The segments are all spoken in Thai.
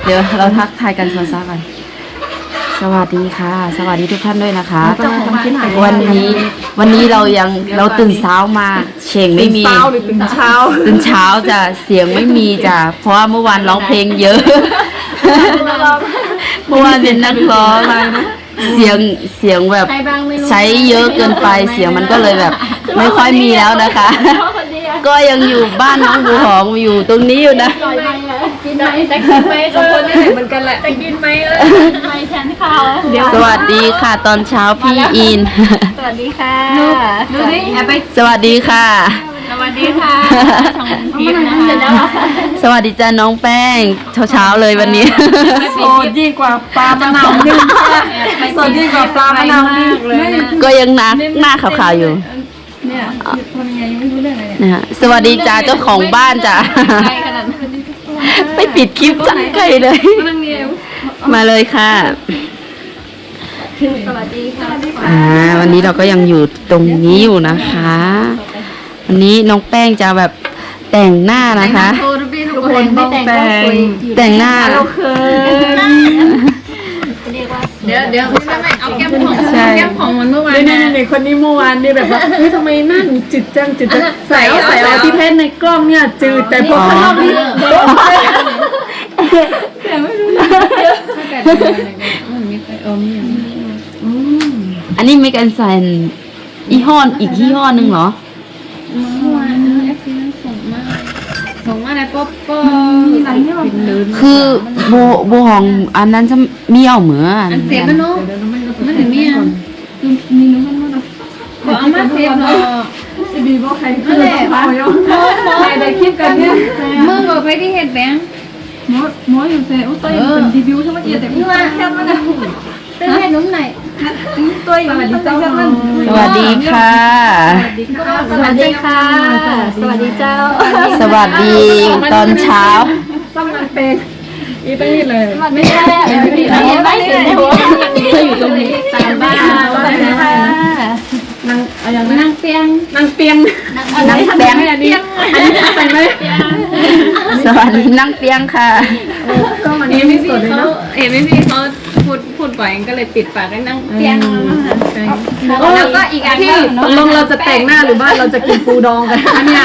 ดี๋ยวเราทักทายกันซะก่อนสวัสดีค่ะสวัสดีทุกท่านด้วยนะคะวันนี้เราตื่นเช้ามาเสียงไม่มีตื่นเช้าจะเสียงไม่มีจ้ะเพราะว่าเมื่อวานร้องเพลงเยอะเมื่อวานเป็นนักร้องเสียงแบบใช้เยอะเกินไปเสียงมันก็เลยแบบไม่ค่อยมีแล้วนะคะก็ยังอยู่บ้านน้องบัวหอมอยู่ตรงนี้อยู่นะกินไหมแต่กินไหมสองคนนี่เหมือนกันแหละแต่กินไหมไม่แทนข้าวสวัสดีค่ะตอนเช้าพี่อินสวัสดีค่ะดูดิสวัสดีค่ะสวัสดีค่ะช่องพีมนะคะสวัสดีจ้าน้องแป้งเช้าเลยวันนี้โสดยิ่งกว่าปลามะนาวนึ่งโสดยิ่งกว่าปลามะนาวนึ่งเลยก็ยังหน้าขาวๆอยู่เนี่ยทำยังไงยังไม่รู้เรื่องอะไรเนี่ยสวัสดีจ้าเจ้าของบ้านจ้าไปปิดคลิปจังไกลเลยมาเลยค่ะสวัสดีค่ะวันนี้เราก็ยังอยู่ตรงนี้อยู่นะคะวันนี้น้องแป้งจะแบบแต่งหน้านะคะทุกคนไม่แต่งหน้าเดี๋ยวไม่เอาแก้มของมันเมื่อวานนี่คนนี้เมื่อวานนี่แบบว่าเฮ้ยทำไมหน้าหนูจืดจังใส่เอาที่เพชรในกล้องเนี่ยจืดแต่พอข้างนอกนี่แต่ไม่รู้นะมันมีใครอันนี้ไม่กันใส่ยี่ห้ออีกยี่ห้อนึงเหรอเมื่อวานส่งมาแล้วป๊อคือโบหองอันนั้นจะเมี่ยวเหมือนอันเสียบมันเนาะมันถึงเมี่ยมีน้ำมันขอเอามาเสียบเนาะจะดีว่าใครคือใครได้คลิปกันเนี่ยเมื่อบอกไปที่เห็ดแบงหมออยู่เซ่อุ้ยตัวเป็นรีวิวใช่ไหมแต่พี่ว่าแค่มันนะเต้นให้นุ่มหน่อยตัวอย่างนี้เจ้าสวัสดีค่ะสวัสดีค่ะสวัสดีเจ้าสวัสดีตอนเช้าต้องมันเป็นอีตั้งนี่เลยไม่ใช่ไม่เห็นในหัวอยู่ตรงนี้ตามบ้านสวัสดีค่ะนั่งเตียงนั่งเตียงอันนี้ใส่ไหมสวัสดีนั่งเตียงค่ะก็มันไม่สดเลยเนาะไม่พี่เขาพูดบ่อยก็เลยปิดปากให้นั่งเตียงแล้วก็อีกอันที่ลงเราจะแต่งหน้าหรือว่าเราจะกินปูดองกันเนี่ย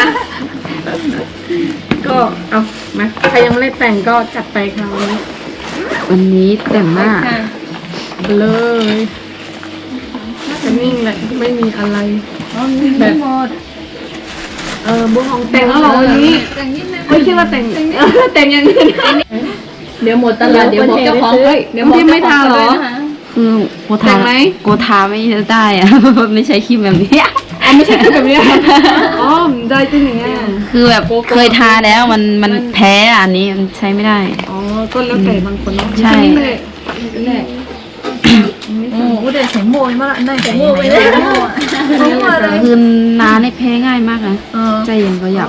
ก็เอามาใครยังไม่ได้แต่งก็จัดไปค่ะวันนี้แต่งหน้าเลยจะนิ่งแหละไม่มีอะไรแบบหมดบุ้งของแต่งแล้วหรอวันนี้ไม่คิดว่าแต่งอย่างนี้เดี๋ยวหมดตลาดเดี๋ยวเจ้าของเดี๋ยวพี่ไม่ทาหรอคือโกทาไม่ได้อะไม่ใช้ครีมแบบนี้ไม่ใช่ครีมแบบนี้อ๋อได้จริงอย่างเงี้ยคือแบบเคยทาแล้วมันแพ้อันนี้มันใช้ไม่ได้อ๋อก็แล้วแต่บางคนใช่เดี๋ยวใส่โมยมาละได้ใส่โมยไปเลยคือน้าในแพ้ง่ายมากนะใจเย็นก็หยับ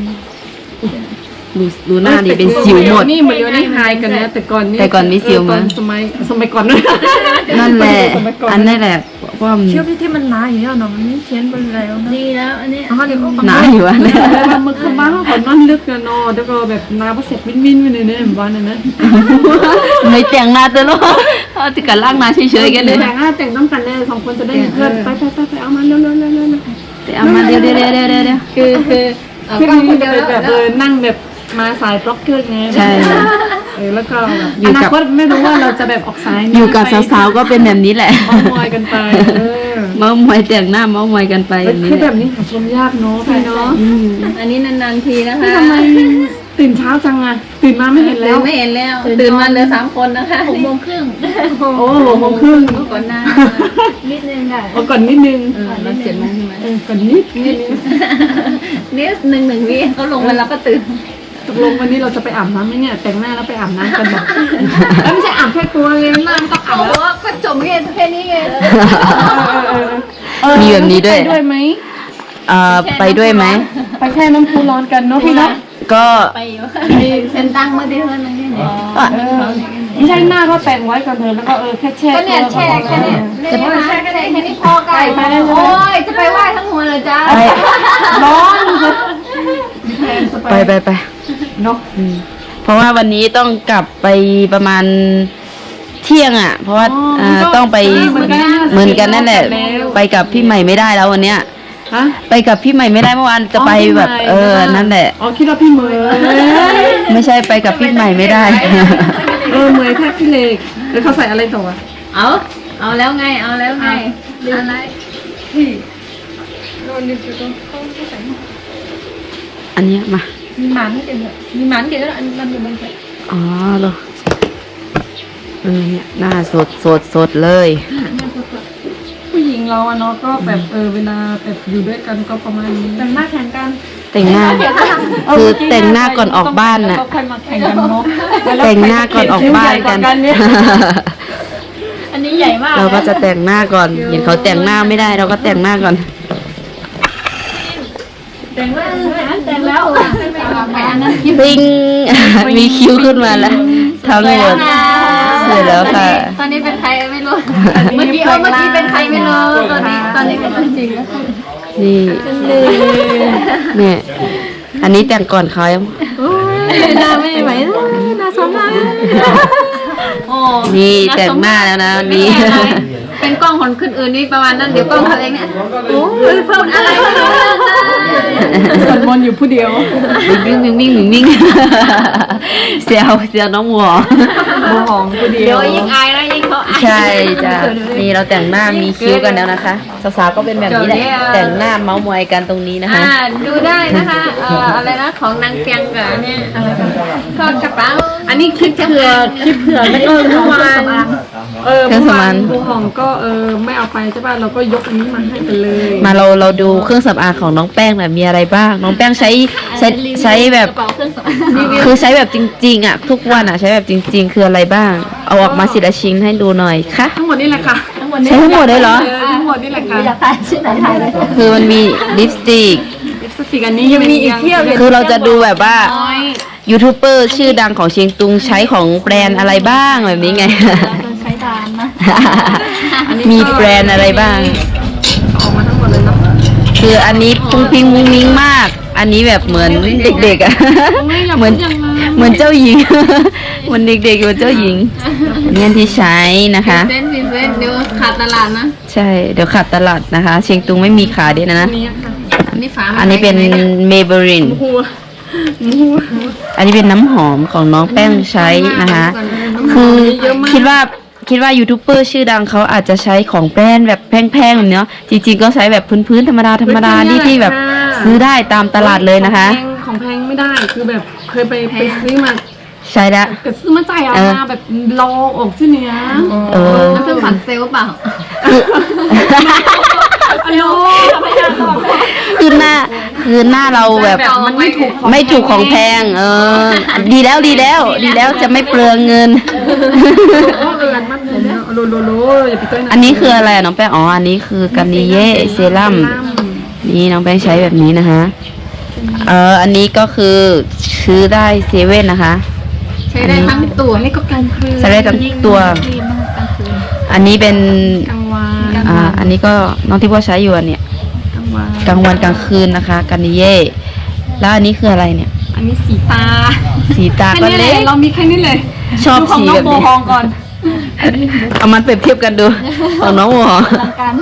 ดูหน้าดิเป็นสิวหมดนี่เหมือนนี่ไฮกันนะแต่ก่อนมีสิวมั้ยสมัยก่อนนั่นแหละอันนี้แหละว่าเชื่อพี่ที่มันหนาอยู่แล้วเนาะมันไม่เชียนไปแล้วนะดีแล้วอันนี้หนาอยู่อ่ะเนี่ยมันคือบ้านเขานอนลึกกันเนาะแล้วก็แบบหนาพอเสร็จมิ้นไปเลยเนี่ยบ้านนั้นนะไม่แต่งหน้าตัวลูกติดกันล่างหน้าเฉยๆกันเลยแต่งต้องกันเลย2คนจะได้เพื่อนไปเอามาเร็วแต่เอามาเดี๋ยวคือก็คนเดียวแบบนั่งแบบมาสายบล็อกเกอร์ไงใช่แล้วก็อนาคตไม่รู้ว่าเราจะแบบออกสายอยู่กับสาวๆก็เป็นแบบนี้แหละเมามอยกันไปเมามอยแต่งหน้าเมามอยกันไปคือแบบนี้หาชมยากเนาะพี่เนาะอันนี้นานๆทีนะคะทำไมตื่นเช้าจังอะตื่นมาไม่เห็นแล้วตื่นมาเหลือ3 คนนะคะ6:30 โอ้6:30 ก่อนหน้านิดนึงค่ะก่อนนิดนึงเรา7 โมงใช่ไหมก่อนนิด 1วิเขาลงมาแล้วก็ตื่นตกลงวันนี้เราจะไปอาบน้ำไหมเนี่ยแต่งหน้าแล้วไปอาบน้ำกันแบบแล้วไม่ใช่อาบแค่ตัวเลยหน้าต้องอาบแล้วก็จบแค่นี้ไงมีแบบนี้ด้วยไหมไปด้วยไหมไปแช่น้ำพุร้อนกันเนาะพี่เนาะก็ไปอยู่เซ็นตั้งมาได้เท่านั้นเองไม่ใช่หน้าก็แต่งไว้ก่อนเถอะแล้วก็แค่แช่ก็เนี่ยแช่แค่นี้แช่แค่นี้พอไก่โอ้ยจะไปไหว้ทั้งหัวเลยจ้าร้อนไปเนาะพราะว่าวันนี้ต้องกลับไปประมาณเที่ยงอ่ะ เพราะว่าต้องไปเหมือนกันนั่นแหละ ไปกับพี่ใหม่ไม่ได้แล้ววันเนี้ยฮะไปกับพี่ใหม่ไม่ได้เมื่อวานจะไปแบบนั่นแหละอ๋อคิดว่าพี่เหมยไม่ใช่ไปกับพี่ใหม่ไม่ได้เหมยแค่พี่เล็กแล้วเขาใส่อะไรต่ออ่ะเอาแล้วไงอะไรอันเนี้ยมามีหมันกินด้วยมีหมันกินด้วยอันนั้นอยู่บนเตียงอ๋อเหรอเนี่ยหน้าสดเลยผู้หญิงเราอะเนาะก็แบบเวลาแบบอยู่ด้วยกันก็ประมาณนี้แต่งหน้าแข่งกันแต่งหน้า คือแต่งหน้าก่อนออกบ้านน่ะก็ค่อยมาแข่งกันเนาะแต่งหน้าก่อนออกบ้านกันอันนี้ใหญ่มากเราก็จะแต่งหน้าก่อน เห็นเขาแต่งหน้าไม่ได้เราก็แต่งหน้าก่อนแต่งแล้วไปอันนั้นปิ้ง มีคิ้วขึ้นมาแล้วทั้งหมดเสร็จแล้วค่ะตอนนี้เป็นใครไม่รู้เมื่อกี้เป็นใครไม่รู้ตอนนี้เป็นจริงแล้วนี่เนี่ย อันนี้แต่งก่อนเขายังหน้าไม่ไหวหน้าซ้ำหน้าโอ้นี่แต่งหน้าแล้วนะนี่เป็นกล้องคนคนอื่นนี่ประมาณนั้นเดี๋ยวกล้องเขาเองเนี่ยโอ้ยเพิ่มอะไรไม่รู้สวดมนต์อยู่ผู้เดียววิ่งเสียวน้องหัวโมหองผู้เดีเดี๋ยยว วยิ่งอายแล้วยิ่งเขาอายใช่จ้ะนี่เราแต่งหน้ามีคิ้วกันแล้วนะคะสาวๆก็เป็นแบบนี้แหละแต่งหน้าเมาส์มอยกันตรงนี้นะคะดูได้นะคะอะไรนะของนางเปียงกับเนี่ยอะไรทอดกระเป๋าอันนี้คลิปเผื่อแล้วก็เมื่อวานเมื่อวานโมหองก็ไม่เอาไปใช่ป่ะเราก็ยกอันนี้มาให้กันเลยมาเราดูเครื่องสำอางของน้องแป้งหน่อยมีอะไรบ้าง น้องแป้งใช้แบบกระเป๋าเครื่องสำอางคือใช้แบบจริงๆอ่ะทุกวันอ่ะใช้แบบจริง ๆ คืออะไรบ้าง เอาออกมาสิละชิ้นให้ดูหน่อยค่ะทั้งหมดนี่แหละค่ะใช้ทั้งหมดเลยเหรอทั้งหมดนี่แหละค่ะอยากทานชื่อไหนทานเลยคือมันมีลิปสติกลิปสติกอันนี้ยังมีอีกเที่ยวเลยคือเราจะดูแบบว่ายูทูบเบอร์ชื่อดังของเชียงตุงใช้ของแบรนด์อะไรบ้างแบบนี้ไงใช้ดานนะมีแบรนด์อะไรบ้างออกมาทั้งหมดเลยเนาะคืออันนี้พุงพิงมุ้งมิ้งมาก อันนี้แบบเหมือนเด็กๆอ่ะ เหมือนเจ้าหญิง เหมือนเด็กๆเหมือนเจ้าหญิงเนี่ยที่ใช้นะคะเส้นเดี๋ยวขาดตลาดนะใช่ เดี๋ยวขัดตลาดนะคะ เชียงตุงไม่มีขายด้วยนะนี่ค่ะอันนี้ฝาอันนี้เป็นเมเบรินหัวอันนี้เป็นน้ำหอมของน้องแป้งใช้นะคะ คือคิดว่ายูทูบเบอร์ชื่อดังเขาอาจจะใช้ของแบรนด์แบบแพงๆแบบเนี้ยจริงๆก็ใช้แบบพื้นๆธรรมดาที่แบบซื้อได้ตามตลาดเลยนะคะของแพงไม่ได้คือแบบเคยไปซื้อมาใช้แล้วก็ซื้อมาจ่ายเอามาแบบรอออกชื่อเนี้ยน้ำผึ้งผัดเซลล์เปล่าอันโลคือหน้าเราแบบมันไม่ถูกไม่ถูกของแพงดีแล้วจะไม่เปลืองเงินมันเลยเนี่ยโลอย่าไปต้อยนะอันนี้คืออะไรอะน้องแป้งอ๋ออันนี้คือกันนิเย่เซรั่มนี่น้องแป้งใช้แบบนี้นะคะอันนี้ก็คือซื้อได้เซเว่นนะคะใช้ได้ทั้งตัวนี่ก็กลางคืนใช้ได้ทั้งตัว อันนี้เป็นกลางวันอันนี้ก็น้องที่พ่อใช้อยู่อันเนี้ยกลางวันกลางคืนนะคะกันนิเย่แล้วอันนี้คืออะไรเนี่ยอันนี้สีตาสีตาแค่ก็นี้เลเล็ยกเรามีแค่นี้เลยชอบของสีน้องแบบโบนี้ฮองก่อนเอามันเปรียบเทียบกันดูของน้องหัวการ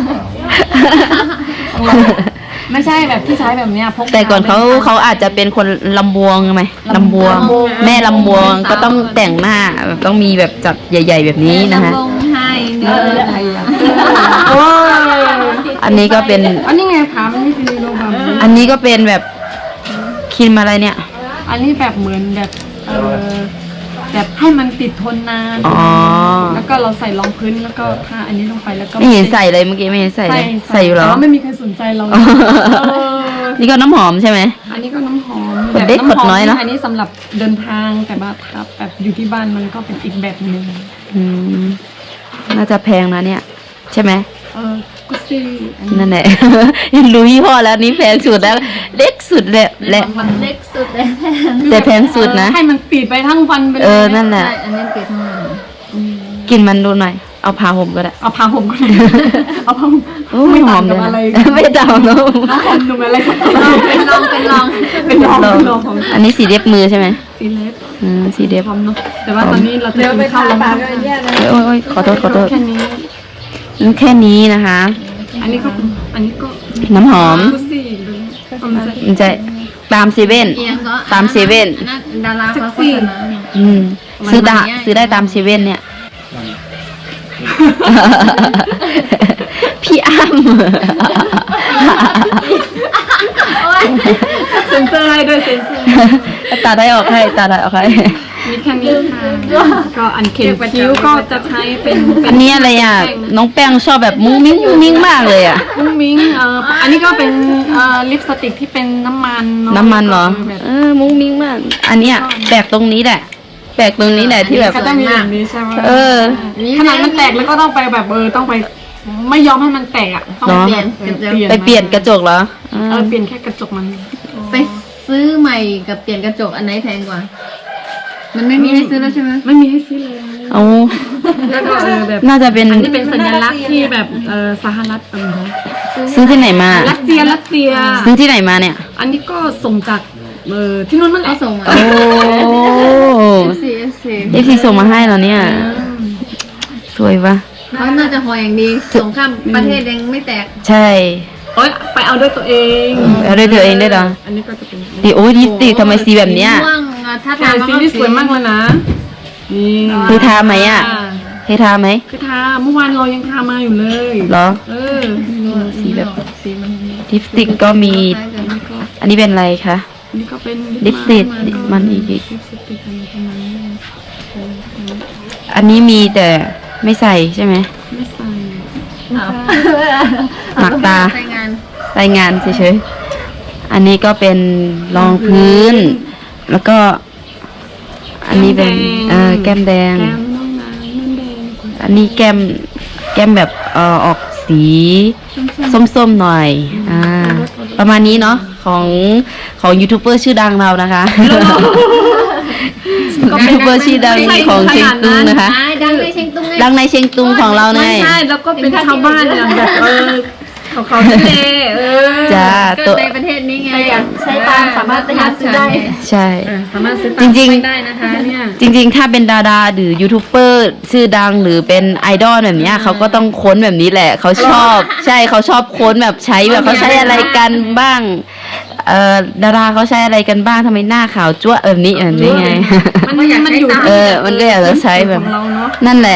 ไม่ใช่แบบที่ใช้แบบเนี้ยพกแต่ก่อนเขาอาจจะเป็นคนลำบวงไหมลำบวง แม่ลำบวงก็ต้องแต่งหน้าแบบต้องมีแบบจัดใหญ่ ๆ แบบนี้นะคะลงให้เนื้อโอ้ยอันนี้ก็เป็นอันนี้ไงผามันไม่เป็นโลบัมอันนี้ก็เป็นแบบครีมอะไรเนี่ยอันนี้แบบเหมือนแบบแบบให้มันติดทนนานอ๋อแล้วก็เราใส่รองพื้นแล้วก็ทาอันนี้ลงไปแล้วก็ไม่เห็นใส่เลยเมื่อกี้ไม่เห็นใส่เลยใส่อยู่เหรอแต่ว่าไม่มีใครสนใจเรานี่ก็น้ำหอมใช่ไหมอันนี้ก็น้ำหอมขวดเล็กขวดน้อยเนอะอันนี้สำหรับเดินทางแต่ว่าถ้าแบบอยู่ที่บ้านมันก็เป็นอีกแบบหนึ่งน่าจะแพงนะเนี่ย ใช่ไหมกุซี่นั่นแหละ ยังรู้ยี่ห้อแล้วนี่แพงสุดแล้ว เล็กสุดเลยและมันเล็กสุดเลยแต่แพงสุดนะให้มันปิดไปทั้งวันไปเลยนั่นแหละอันนี้ปิดทั้งวันกินมันดูหน่อย เอาผ้าห่มก็ได้เอาผ้าห่มก็ได้เอาผ้าห่มโอ้ยหอมเลยนะไม่ต่างเนาะน้ำหอมหนุ่มอะไรสักอย่างเป็นลองเป็นลองเป็นลองของอันนี้สีเล็บมือใช่ไหมซีเล็บสีเล็บพร้อมเนาะแต่ว่าตอนนี้เราจะกินข้าวแล้วมั้งโอ้ยขอโทษแค่นี้แค่นี้นะคะอันนี้ก็น้ำหอมดูสิดูความจะมันจะตามเซเว่นเอียงก็ตามเซเว่นอันนั้นดาราเขาโฆษณาเนี่ยซื้อได้ตามเซเว่นเนี่ย พี่อ้ำเซ็นเซอร์ให้ด้วยเซ็นเซอร์ตาได้ออกให้มีแค่นี้ค่ะก็อันเข็นคิ้วก็จะใช้เป็นอันนี้อะไรอ่ะ น้องแป้งชอบแบบมุ้งมิ้งมากเลยอ่ะมุ้งมิ้งอันนี้ก็เป็นลิปสติกที่เป็นน้ำมันเนาะน้ำมันเหรอแบบมุ้งมิ้งมาก อันเนี้ยแปลกตรงนี้แหละ ที่แบบก็ต้องมีแบบนี้ใช่ไหมขขนาดมันแตกแล้วก็ต้องไปแบบต้องไปไม่ยอมให้มันแตกอ่ะต้องเปลี่ยนไปเปลี่ยนกระจกเหรอเปลี่ยนแค่กระจกมันไปซื้อใหม่กับเปลี่ยนกระจกอันไหนแพงกว่า มันไม่มีให้ซื้อแล้วใช่ไหมไม่มีให้ซื้อเลยเอาแล้วก็แบบน่าจะเป็นอันนี้เป็นสัญลักษณ์ที่แบบสหรัฐซื้อที่ไหนมารัสเซียซื้อที่ไหนมาเนี่ยอันนี้ก็ส่งจากที่นู่นมันแหเอาละส่งมาโอ้ FC FC ส่งมาให้เหรอเนี่ย สวยปะเขาน่าจะหออย่างดีส่งข้ามประเทศยังไม่แตกใช่โอ๊ยไปเอาด้วยตัวเองเอาด้วยตัวเองได้เหรออันนี้ก็จะเป็นดิโอ้ยดิสติกทำไมสีแบบเนี้ยม่วงถ้าแต่ทานสีนี่สวยมากเลยนะนี่เคยทาไหมอ่ะเคยทาไหมคือทาเมื่อวานเรายังทามาอยู่เลยเหรอสีแบบสีมันลิปสติกก็มีคล้ายกันอันนี้เป็นอะไรคะอันนี้ก็เป็นลิปสติกมันอีกลิปสติกอะไรประมาณนี้อันนี้มีแต่ไม่ใส่ใช่ไหมไม่ใส่หมักตาใช้งานรายงานเฉยๆ อันนี้ก็เป็นรองพื้น แล้วก็ อันนี้เป็นแก้มแดงแก้มน้องนางนั่นแดงอันนี้แก้มแบบออกสีส้มๆหน่อย ประมาณนี้เนาะของยูทูบเบอร์ชื่อดังเรานะคะยูทูบเบอร์ชื่อดังของเชียงตุงนะคะดังในเชียงตุงไงดังในเชียงตุงของเราไงไม่ใช่แล้วก็เป็นชาวบ้านเนี่ยแบบเขาทะเลจ้าเกิตัวดในประเทศนี้ไงใช้ตามสามารถไปหาซื้อได้ใช่สามารถซื้อจริงๆได้นะคะเนี่ยจริงๆ ถ้าเป็นดาราหรือยูทูบเบอร์ชื่อดังหรือเป็นไอดอลแบบเนี้ยเขาก็ต้องค้นแบบนี้แหละเขาชอบ ใช่เขาชอบค้นแบบใช้แบบเขาใช้อะไรกันบ้างดาราเขาใช้อะไรกันบ้างทำไมหน้าขาวจั๊วะแบบนี้ไงมันอยู่มันก็อยากจะใช้แบบของเราเนาะนั่นแหละ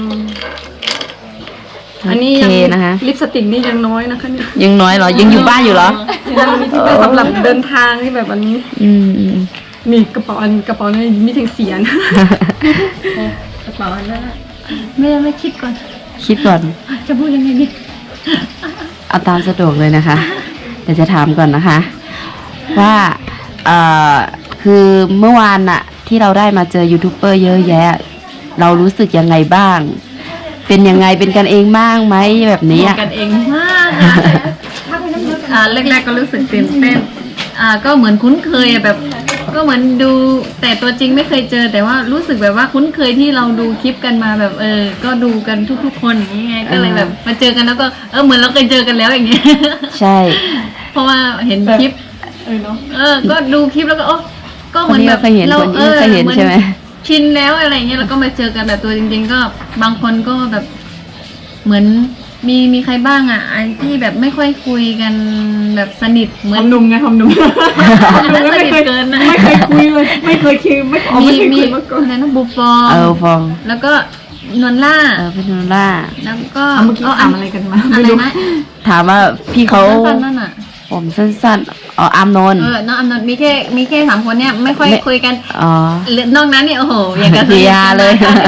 อันนี้โอยังเคนะคะลิปสติกนี่ยังน้อยนะคะเนี่ยยังน้อยเหรอยังอยู่บ้านอยู่เหรอยังมีที่ไปสำหรับเดินทางที่แบบวันนี้อืมนี่กระเป๋าเนี่ยมีทั้งเสียนกระเป๋าอันนั้นไม่คิดก่อนคิดก่อนจะพูดยังไงดีเอาตามสะดวกเลยนะคะเดี๋ยวจะถามก่อนนะคะ ว่าคือเมื่อวานน่ะ ที่เราได้มาเจอยูทูบเบอร์เยอะแยะ เรารู้สึกยังไงบ้าง เป็นยังไงเป็นกันเองบ้างไหมแบบนี้อ่ะกันเองมากแรกๆก็รู้สึกตื่นเต้นก็เหมือนคุ้นเคยแบบ ก็เหมือนดูแต่ตัวจริงไม่เคยเจอ แต่ว่ารู้สึกแบบว่าคุ้นเคยที่เราดูคลิปกันมาแบบก็ดูกันทุกๆคนอย่างเงี้ยก็เลยแบบมาเจอกันแล้วก็เหมือนเราเคยเจอกันแล้วอย่างเงี้ยใช่เพราะว่าเห็นคลิปเนาะก็ดูคลิปแล้วก็ก็เหมือนแบบเคยเห็นคนนี้เคยเห็นใช่ไหมชินแล้วอะไรเงี้ยแล้วก็มาเจอกันแบบตัวจริงๆก็บางคนก็แบบเหมือนมีใครบ้างอ่ะไอ้ที่แบบไม่ค่อยคุยกันแบบสนิทเหมือนหนุ่มไงหอมหนุ่มสนิทเกินนะไม่เคยคุยเลยไม่เคยคิดไม่เคยคุยมาก่อนอะไรนะบูฟองฟองแล้วก็นวลล่าเป็นโนล่าแล้วก็เมื่อกี้ถามอะไรกันมาอะไม่ไรรู้นะถามว่าพี่เขาสั้นๆนั่นอ่ะผมสั้นๆอามนนท์น้องอำนนท์มีแค่3 คนเนี่ยไม่ค่อยคุยกันอ๋อนอกนั้นเนี่ยโอ้โหอย่างกับเดียเลย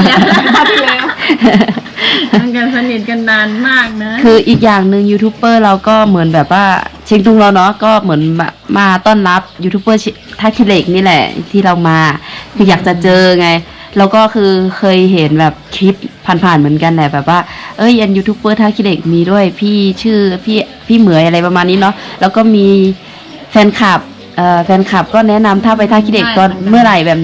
มันกันสนิทกันนานมากนะคืออีกอย่างหนึ่งยูทูบเบอร์เราก็เหมือนแบบว่าเชียงตุงเราเนาะก็เหมือนมาต้อนรับยูทูบเบอร์ท่าขี้เหล็กนี่แหละที่เรามาคืออยากจะเจอไงแล้วก็คือเคยเห็นแบบคลิปผ่านๆเหมือนกันแหละแบบว่ายันยูทูบเบอร์ท่าขี้เหล็กมีด้วยพี่ชื่อพี่เหมยอะไรประมาณนี้เนาะแล้วก็มีแฟนคลับก็แนะนำถ้าไปท่าขี้เหล็กตอนเมื่อไหร่แบบเนี้ย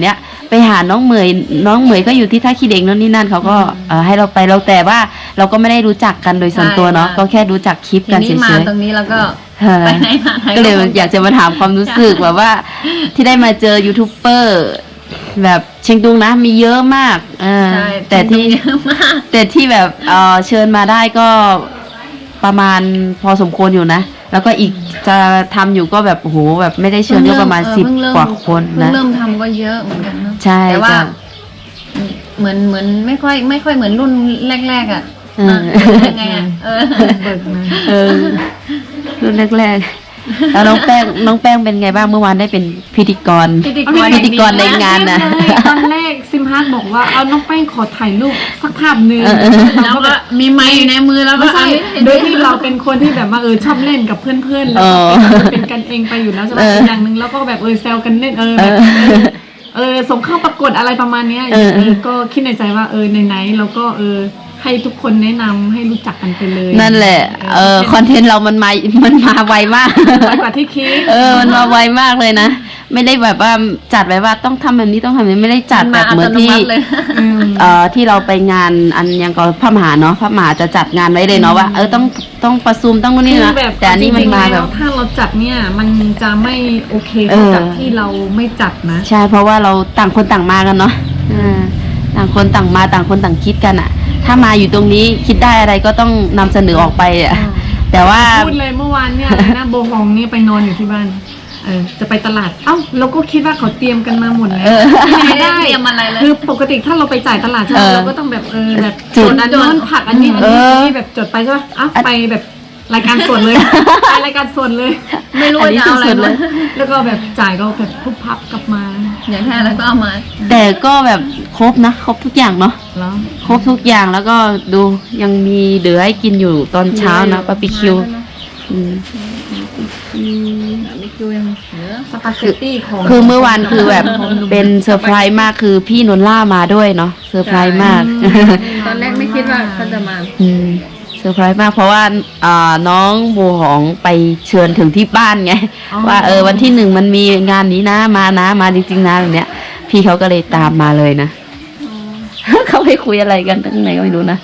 ไปหาน้องเหมยก็อยู่ที่ท่าขี้เหล็กนั่นนี่นั่นเขาก็ให้เราไปเราแต่ว่าเราก็ไม่ได้รู้จักกันโดยส่วนตัวเนาะก็แค่รู้จักคลิปทีกันเฉนี้มาย ตรงนี้แล้วก็ไปไหนมาไหนๆก็เลยอยากจะมาถามความรู้สึกแบบว่าที่ได้มาเจอยูทูบเบอร์แบบเชียงตุงนะมีเยอะมากใช่แต่ที่เยอะมากแต่ที่แบบเชิญมาได้ก็ประมาณพอสมควรอยู่นะแล้วก็อีกจะทำอยู่ก็แบบโอ้โหแบบไม่ได้เชิญก็ประมาณ10 กว่าคนนะเริ่มทำก็เยอะเหมือนกันเนอะใช่แต่ว่าจ้ะเหมือนไม่ค่อยเหมือนรุ่นแรกๆอ่ะเออยังไงอ่ะเบิกมารุ่นแรกๆแล้วน้องแป้งเป็นไงบ้างเมื่อวานได้เป็นพิธีกรในงานนะตอนแรกซิมฮาร์ดบอกว่าเอาน้องแป้งขอถ่ายรูปสักภาพหนึ่งแล้วก็มีไม้อยู่ในมือแล้วก็ไม่ใช่โดยที่เราเป็นคนที่แบบว่าชอบเล่นกับเพื่อนๆแล้วก็เป็นกันเองไปอยู่แล้วใช่ไหมอีกอย่างหนึ่งแล้วก็แบบแซวกันเล่นแบบส่งเข้าประกวดอะไรประมาณเนี้ยก็คิดในใจว่าไหนๆเราก็ให้ทุกคนแนะนำให้รู้จักกันไปเลยนั่นแหละคอนเทนต์เรามันมาไวมากไวกว่าที่คิดมันมาไวมากเลยนะไม่ได้แบบว่าจัดไว้ว่าต้องทำแบบนี้ต้องทำแบบนี้ไม่ได้จัดแบบเหมือนที่ที่เราไปงานอันยังก็พระมหาเนาะพระมหาจะจัดงานไว้เลยเนาะว่าต้องประชุมต้องนู่นนี่นะแต่อันนี้มันมาแบบถ้าเราจัดเนี่ยมันจะไม่โอเคกับที่เราไม่จัดนะใช่เพราะว่าเราต่างคนต่างมากันเนาะต่างคนต่างมาต่างคนต่างคิดกันอ่ะถ้ามาอยู่ตรงนี้คิดได้อะไรก็ต้องนำเสนอออกไปอ่ะแต่ว่าพูดเลยเมื่อวานเนี่ยนะโบฮองนี่ไปนอนอยู่ที่บ้านจะไปตลาดเราก็คิดว่าเขาเตรียมกันมาหมดแล้วไม่ได้เตรียมอะไรเลยคือปกติถ้าเราไปจ่ายตลาดใช่ไหมเราก็ต้องแบบแบบจดอันนั้นผักอันนี้แบบจดไปใช่ป่ะไปแบบรายการสดเลยไปรายการสดเลยไม่รู้จะเอาอะไรเลยแล้วก็แบบจ่ายก็แบบพุบพับกลับมาอย่างแท้แล้วก็เอามาแต่ก็แบบครบนะครบทุกอย่างเนาะครบทุกอย่างแล้วก็ดูยังมีเหลือให้กินอยู่ตอนเช้านะบาร์บีคิวคือเมื่อวานคือแบบเป็นเซอร์ไพรส์มากคือพี่นนล่ามาด้วยเนาะเซอร์ไพรส์มากตอนแรกไม่คิดว่าเขาจะมาเซอร์ไพรส์มากเพราะว่าน้องโบหองไปเชิญถึงที่บ้านไงว่าวันที่1มันมีงานนี้นะมาจริงๆนะแบบเนี้ยพี่เขาก็เลยตามมาเลยนะเขาไปคุยอะไรกันตั้งไหนก็ไม่รู้นะ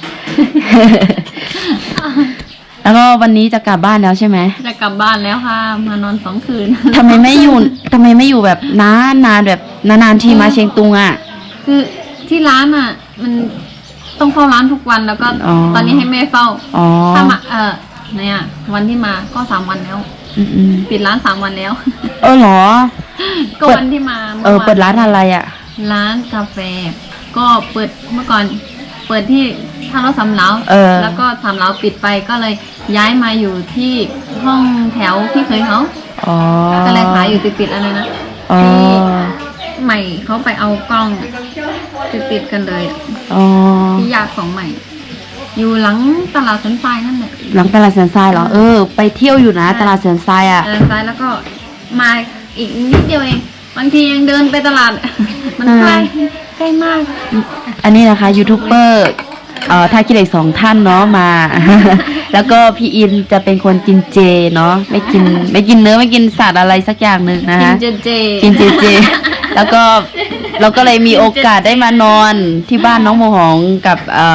แล้วก็วันนี้จะกลับบ้านแล้วใช่ไหมจะกลับบ้านแล้วค่ะมานอน2 คืนทำไมไม่อยู่แบบนานแบบนานๆทีมาเชียงตุงอ่ะคือที่ร้านอ่ะมันต้องเฝ้าร้านทุกวันแล้วก็ตอนนี้ให้แม่เฝ้าถ้ามาเนี่ยวันที่มาก็3 วันแล้วปิดร้าน3 วันแล้วเหรอก็วันที่มาเปิดร้านอะไรอ่ะร้านกาแฟก็เปิดเมื่อก่อนเปิดที่ท่ารถสำเล้าแล้วก็สำเล้าปิดไปก็เลยย้ายมาอยู่ที่ห้องแถวพี่เคยเขาก็เลยขายอยู่ติดๆอะไรนะที่ใหม่เขาไปเอากล้องติดกันเลยที่ญาติของใหม่อยู่หลังตลาดสันทรายนั่นแหละหลังตลาดสันทรายเหรอไปเที่ยวอยู่นะตลาดสันทรายอ่ะทรายแล้วก็มาอีกนิดเดียวเองบางทียังเดินไปตลาดมันใกล้มากอันนี้นะคะยูทูบเบอร์ท่าขี้เหล็ก2 ท่านเนาะมา แล้วก็พี่อินจะเป็นคนกินเจเนาะไม่กินเนื้อไม่กินสัตว์อะไรสักอย่างหนึ่งนะคะกินเจแล้วก็เราก็เลยมีโอกาสได้มานอนที่บ้านน้องโมหองกับ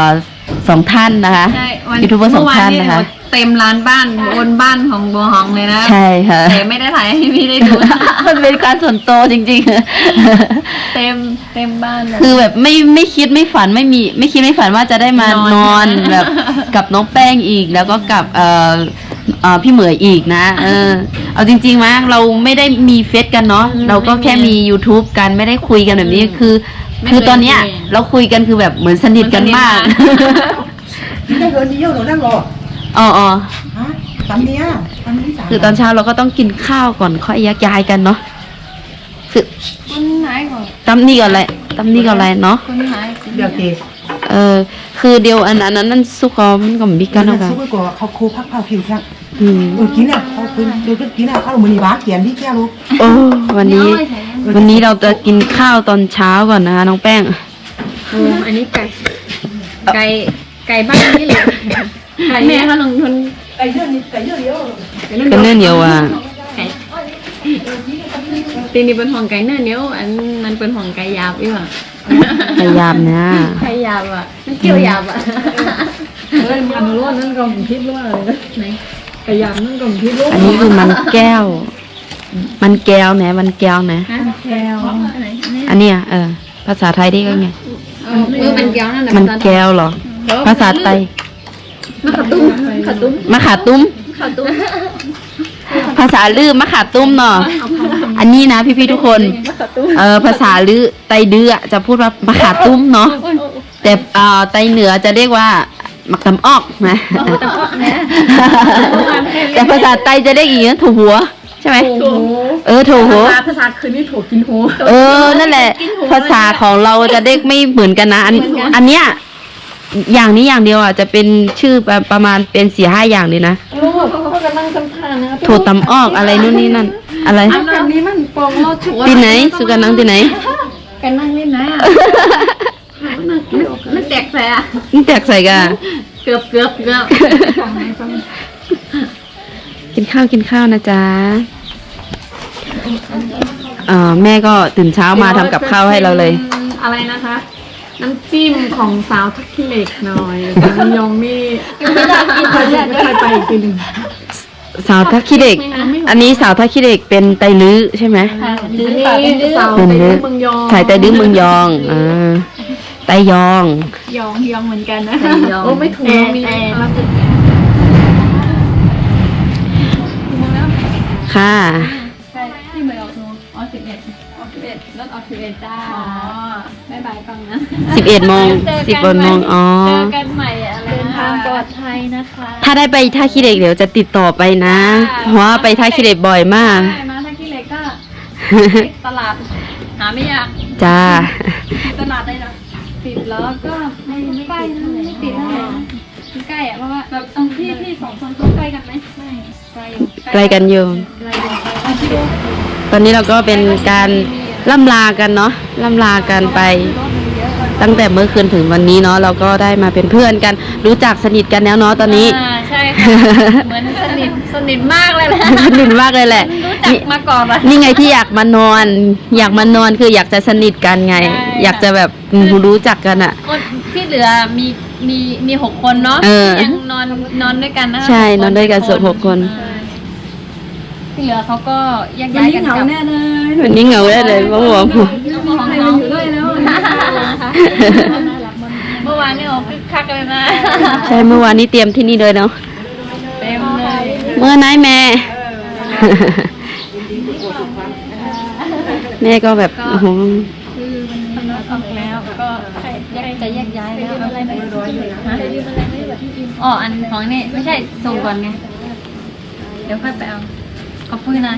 2 ท่านนะคะยูทูบเบอร์2 ท่านนะคะเต็มร้านบ้านบนบ้านของโบหองเลยนะใช่ค่ะแต่ไม่ได้ถ่ายให้พี่ได้ดูมันเป็นการส่วนตัวจริงๆเต็มบ้านเลยคือแบบไม่คิดไม่ฝันไม่คิดไม่ฝันว่าจะได้มานอนแบบกับน้องแป้งอีกแล้วก็กับพี่เหมยอีกนะเอาจริงๆมั้ยเราไม่ได้มีเฟซกันเนาะเราก็แค่มี YouTube กันไม่ได้คุยกันแบบนี้คือตอนเนี้ยเราคุยกันคือแบบเหมือนสนิทกันมากได้เงินเยอะหนูนั่งรอตำเนี้ยคือตอนเช้าเราก็ต้องกินข้าวก่อนค่อยแยกย้ายกันเนาะคือตำนี่ก่อนอะไรเนาะเดี๋ยวเกคือเดียวอันนั้นนั่นซุกก็มันก็มีกันเนาะซุกก็เขาคูพักเผาผิวแค่กินอ่ะเขาเดี๋ยวกินอ่ะข้าวมือนี่บ้าเขียนที่แก้ลูกวันนี้เราจะกินข้าวตอนเช้าก่อนนะคะน้องแป้งอันนี้ไก่บ้านนี่เลยแม่เขาลงทุนไก่เยอะเดียวกันเนื้อเหนียวอ่ะตีนี่เป็นห่วงไก่เนื้อเหนียวอันนั้นเป็นห่วงไก่หยาบอีกอ่ะพยายามนะไก่หยาบอ่ะมันเกี่ยวหยาบอ่ะเฮ้ยมันรู้นั่นก็ผมคิดว่าอะไรนะไหนกระยำนั่นก็ผมคิดรู้อันนี้คือมันแก้ว มันแก้วนะมันแก้วนะฮะแก้วไหนอันเนี้ยภาษาไทยได้ก็ไงมันแก้วนั่นแหละมันแก้วเหรอ ภาษาไทยมะขามตุ้มขามตุ้มมะขาตุ้มขามตุ้มภาษาลือมะขาตุ้มเนาะอันนี้นะพี่ๆทุกคน ภาษาลือไตดื้อจะพูดว่ามะขาตุ้มเนาะ แต่ไตเหนือจะเรียกว่ามักตำออกนะ แต่ภาษาไตจะเรียกอีกนะถูหัวใช่ไหมถูหัวภาษาคืนนี่ถูกกินหูนั่นแหละ ภาษาของเราจะเรียกไม่เหมือนกันนะ อันเนี้ยอย่างนี้อย่างเดียวอ่ะจะเป็นชื่อประมาณเป็น4-5อย่างเลยนะรู้ว่าเขากำลังจำทานนะโถตำออกอะไรนู่นนี่นั่น อะไรอันนี้มันปองเราชัวที่ไหนสุกันนังที่ไหนกันนั่งเล่นนะมันแตกแสะนี่แตกใส่กันเกือบกินข้าวนะจ๊ะแม่ก็ตื่นเช้ามาทำกับข้าวให้เราเลยอะไรนะคะ น้ำจิ้มของสาวทักขิเหล็กหน่อยแต่มันยองนี่ไม่เคยไปอีกทีหนึ่งสาวทักขี้เด็ก อันนี้สาวทักขี้เด็กเป็นไตลื้อใช่ไหมนี่สาวเป็นไตลื้อเมืองยองสายไตลื้อเมืองยองไตยองยองเหมือนกันนะโอ้ไม่ถูกมีค่ะที่เหมือนออก11รถออก11จ้าบ๊ายบายก่อนนะ 11 โมง 10 โมงอ๋อเจอกันใหม่เดินทางปลอดภัยนะคะถ้าได้ไปท่าขี้เหล็กเดี๋ยวจะติดต่อไปนะ เพราะว่าไปท่าขี้เหล็กบ่อยมากใช่มาถ้าขี้เหล็กก็ตลาดหาไม่ยากจ้าตลาดได้หรอติดแล้วก็ไม่ใกล้นะไม่ติดเท่าไหร่ใกล้อะเพราะว่าแบบตรงที่สองคนเขาใกล้กันไหมไม่ไกลอยู่ไกลกันอยู่ ตอนนี้เราก็เป็นการล่ำลากันเนาะล่ำลากันไป ตั้งแต่เมื่อคืนถึงวันนี้เนาะเราก็ได้มาเป็นเพื่อนกัน รู้จักสนิทกันแล้วเนาะตอนนี้ใช่ค่ะเหมือนสนิทมากเลยแหละสนิทมากเลยแหละรู้จักมาก่อนอะนี่ไงที่อยากมานอน อยากมานอนคืออยากจะสนิทกันไงใช่อยากจะแบบรู้จักกันอ่ะคนที่เหลือมี6 คนเนาะ ยังนอนด้วยกันนะใช่นอนด้วยกันส่วน6 คนที่เหลือเขาก็แยกย้ายกันกลับวันนี้เหงาได้เลยพ่อบอกน้องมองน้องอยู่ด้วยแล้วเมื่อวานนี่โอ้คึกคักเลยนะใช่เมื่อวานนี้เตรียมที่นี่เลยเนาะเต็มเลยเมื่อไหนแม่ แม่ก็แบบโอ้โหคือมันออกแล้วก็จะแยกย้ายแล้วอะไรไม่ร้อยเลยฮะอ๋ออันของนี่ไม่ใช่ส่งก่อนไงเดี๋ยวค่อยไปเอาขอบคุณนะ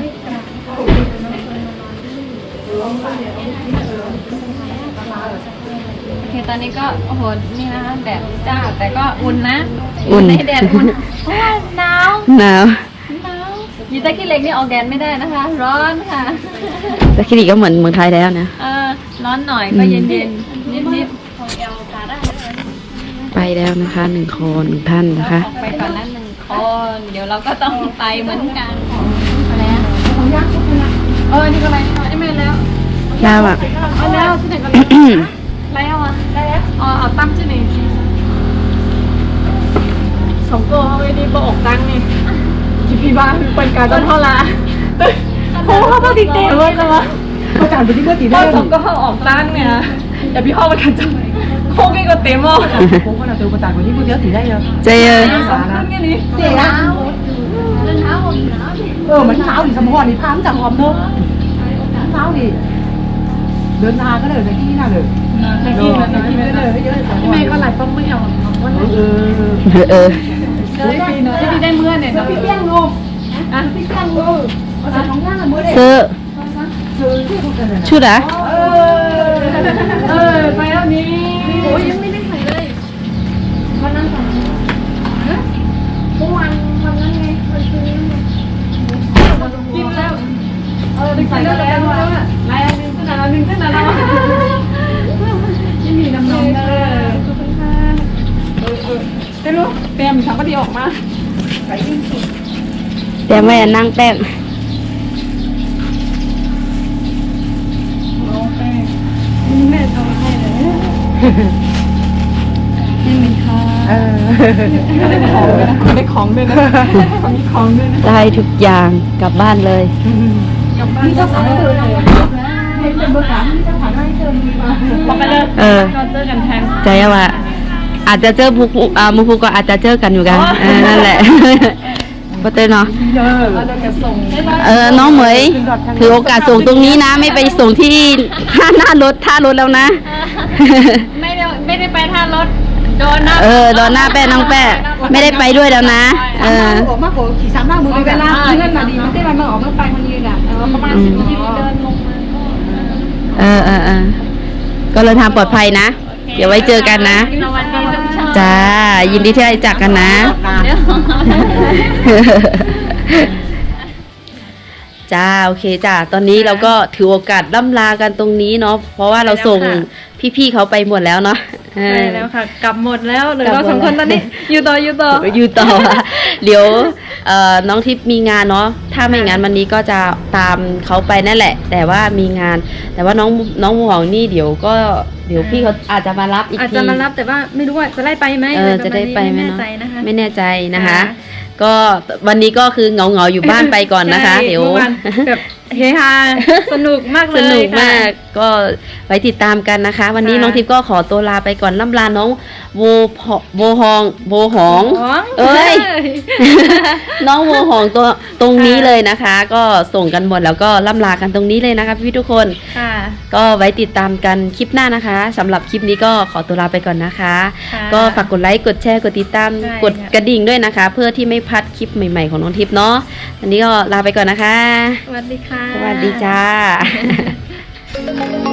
โอเคตอนนี้ก็โอ้โหนี่นะคะแดดจ้าแต่ก็อุ่นนะในแดดอุ่นเพราะว่าหนาวหนาวยีตาขี้เหล็กนี่ออกแดดไม่ได้นะคะ ร้อนค่ะแต่คลินิกก็เหมือนเมืองไทยแล้วนะร้อนหน่อยก็เย็นๆนิดๆของเอลกาได้ไปแล้วนะคะ1 คน1 ท่านนะคะออกไปก่อนนั้น1 คนเดี๋ยวเราก็ต้องไปเหมือนกันอะไรนะนี่ก็อะไรนี่ไม่แล้วลาวอ่ะเอาแล้วที่ไหนกันแล้วอ่ะแล้วเอาตั้งที่ไหนสองตัวเอาไว้ดีบอกตังนี่จีพีบ้านเป็นการต้นเท่าไรโอ้เขาต้องติดเตะเลยนะวะประกาศไปที่เมื่อตีตได้อนเลยสองก็ออกตั้งเนี่ยแต่พี่พ่อมันกันจังโค้งก็เต็มอ่ะผมก็น่าจะประกาศไปที่เมื่อตีได้เลยเจอสองขึ้นแค่นี้เสียมันเช้าดิสมพรนี่พามจากออมเนอะเช้าดิเดินทางก็เลยในที่นี่น่าเลยที่เมย์ก็หลายป้องไม่เอาวันนี้ ที่ได้เมื่อเนี่ยพี่เปี้ยงลงพี่เปี้ยงลงเอาจากของย่างละมื้อเด็กเสื้อซื้อที่พวกกันเลยชุดอ่ะไปแล้วนี้โอ้ยยังไม่ได้ใส่เลยวันนั้นก่อนเมื่อวานวันนั้นไงวันซื้อไงกินแล้วได้ใส่แล้วลายนึงขึ้นอะไรนึงขึ้นอะไรที่มีน้ำนมขอบคุณค่ะได้รู้เตรียมทำก็ดีออกมาไปยิ่งสุดแต่ไม่นั่งแป้งนี่มีค่ะได้ของด้วยนะมีของด้วยนะได้ทุกอย่างกลับบ้านเลยพี่เจ้าของเจอเลยให้เป็นเบอร์สามพี่เจ้าของให้เจอมีมาบอกไปเลยเออเราเจอกันแทนใจว่าอาจจะเจอมูฟูก็อาจจะเจอกันอยู่กันนั่นแหละก็เต้นเนาะเราจะส่งน้องเหมยถือโอกาสส่งตรงนี้นะ ไม่ไปส่งที่หน้ารถท่ารถแล้วนะไม่ได้ไปท่ารถโดนนะโดนหน้าแป้น้องแป้ไม่ได้ไปด้วยแล้วนะออกมากกว่าขี่3 หน้ามือเวลาเพื่อนมาดีมันได้มาออกมาไปมันยืนอ่ะประมาณ10 นาทีเดินลงมาก็เดินทางปลอดภัยนะ เดี๋ยวไว้เจอกันนะสวัสดีทุกช่องจ้า ยินดีที่ได้จักกันนะ จ้าโอเคจ้าตอนนี้เราก็ถือโอกาสล่ำลากันตรงนี้เนาะเพราะว่าเราส่งพี่ๆเขาไปหมดแล้วเนาะใช่แล้วค่ะ กลับหมดแล้วเหลือเรา2 คนตอนนี้ อยู่ต่ออยู่ต่อเดี๋ยวน้องทิพย์มีงานเนาะถ้าไม่งานวันนี้ก็จะตามเขาไปนั่นแหละ แต่ว่ามีงาน แต่ว่าน้องหมูหองนี่เดี๋ยวพี่เขาอาจจะมารับอีกทีอาจจะมารับแต่ว่าไม่รู้ว่าจะได้ไปไหมจะได้ไปไหมไม่แน่เนาะใจนะคะไม่แน่ใจนะคะค่ะก็วันนี้ก็คือเหงาๆอยู่บ้านไปก่อนนะคะใช่เดี๋ยวมื่อวานแบบเฮฮาสนุกมากเลยสนุกค่ะมากก็ไว้ติดตามกันนะคะ วันนี้ค่ะน้องทิพย์ก็ขอตัวลาไปก่อนล่ำลาน้องโวหอง เอ้ย น้องโวหองตัวตรงนี้เลยนะคะ ก็ส่งกันหมดแล้วก็ล่ำลากันตรงนี้เลยนะคะพี่ทุกคนค่ะก็ไว้ติดตามกันคลิปหน้านะคะสำหรับคลิปนี้ก็ขอตัวลาไปก่อนนะคะค่ะก็ฝากกดไลค์กดแชร์กดติดตามใช่กดกระดิ่งด้วยนะคะ เพื่อที่ไม่พลาดคลิปใหม่ๆของน้องทิพย์เนาะวันนี้ก็ลาไปก่อนนะคะสวัสดีค่ะสวัสดีจ้า